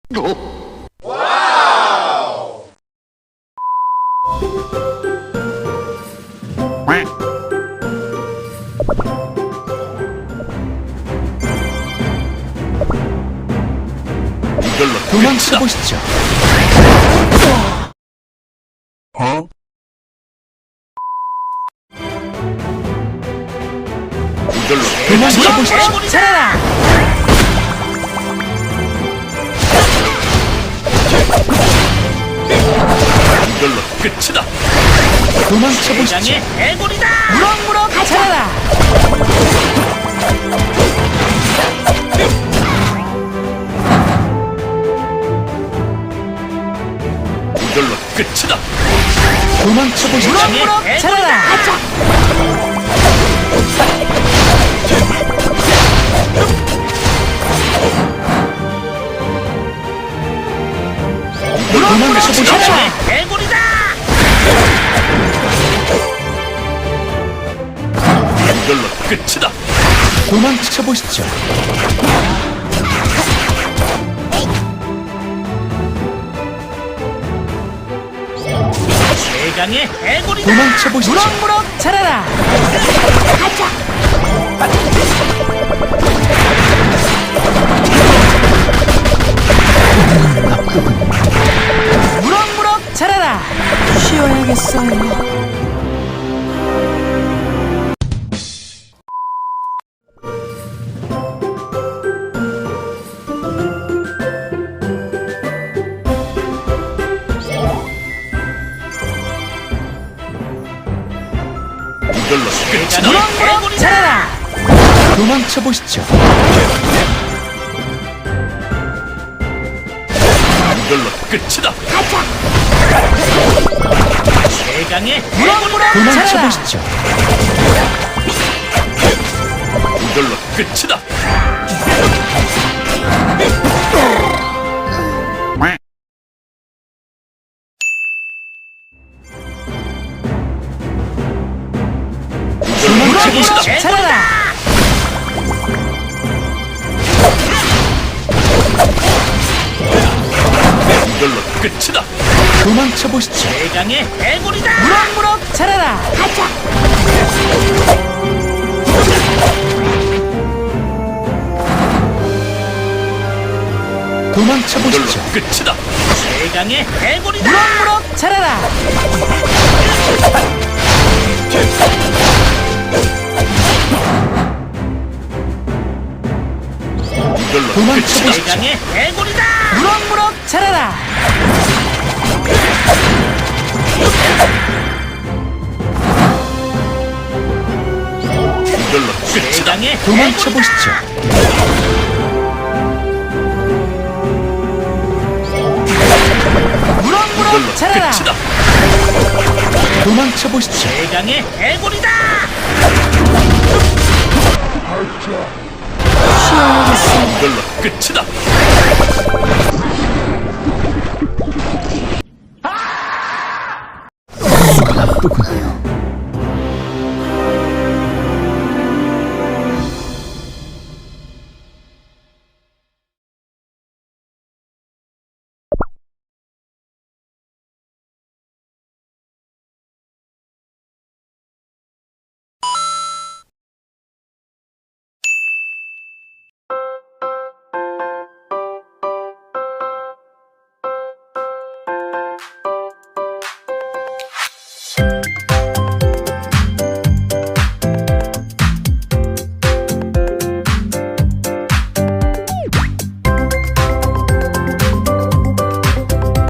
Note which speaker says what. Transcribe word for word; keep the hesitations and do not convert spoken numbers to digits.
Speaker 1: 이걸로
Speaker 2: 도망쳐보시죠.
Speaker 1: 어? 이걸로
Speaker 2: 도망쳐보시죠.
Speaker 3: 잘해라.
Speaker 1: 이걸로 끝이다.
Speaker 2: 도망쳐보시죠.
Speaker 3: 대장의 해골이다. 무럭무럭 잘해라.
Speaker 1: 이걸로 끝이다.
Speaker 2: 도망쳐보시죠.
Speaker 3: 무럭무럭 잘해라.
Speaker 2: 도망쳐보시죠.
Speaker 3: 대장의 해골이다.
Speaker 1: 이걸로 끝이다.
Speaker 2: 도망쳐보시죠.
Speaker 3: 대장의 해골이다.
Speaker 2: 도망쳐보시죠.
Speaker 3: 무럭무럭 잘해라. 무럭무럭 잘해라. 쉬어야겠어요.
Speaker 1: 이걸로 끝이다.
Speaker 3: 무럭무럭 잘해라.
Speaker 2: 도망쳐보시죠.
Speaker 1: 이걸로 끝이다.
Speaker 3: 대장의 무럭무럭 잘해라.
Speaker 2: 도망쳐보시죠.
Speaker 1: 이걸로 끝이다.
Speaker 2: 도망쳐보시죠.
Speaker 3: 잘해라.
Speaker 1: 이걸로 끝이다.
Speaker 2: 도망쳐보시죠.
Speaker 3: 대장의 해골이다. 무럭무럭 잘해라.
Speaker 1: 이걸로
Speaker 2: 도망쳐보시죠.
Speaker 1: 끝이다.
Speaker 3: 대장의 해골이다. 무럭무럭 잘해라.
Speaker 1: 이걸로
Speaker 2: 도망쳐보시죠.
Speaker 1: 끝이다.
Speaker 3: 대장의 해골이다. 무럭무럭 잘해라.
Speaker 1: 이걸로 끝이다.
Speaker 3: 대장의
Speaker 2: 도망쳐보시죠.
Speaker 1: 이걸로
Speaker 3: 무럭무럭 잘해라.
Speaker 1: 끝이다.
Speaker 2: 도망쳐보시죠.
Speaker 3: 대장의 해골이다.
Speaker 1: 이걸로 끝이다.
Speaker 2: 나쁘군요.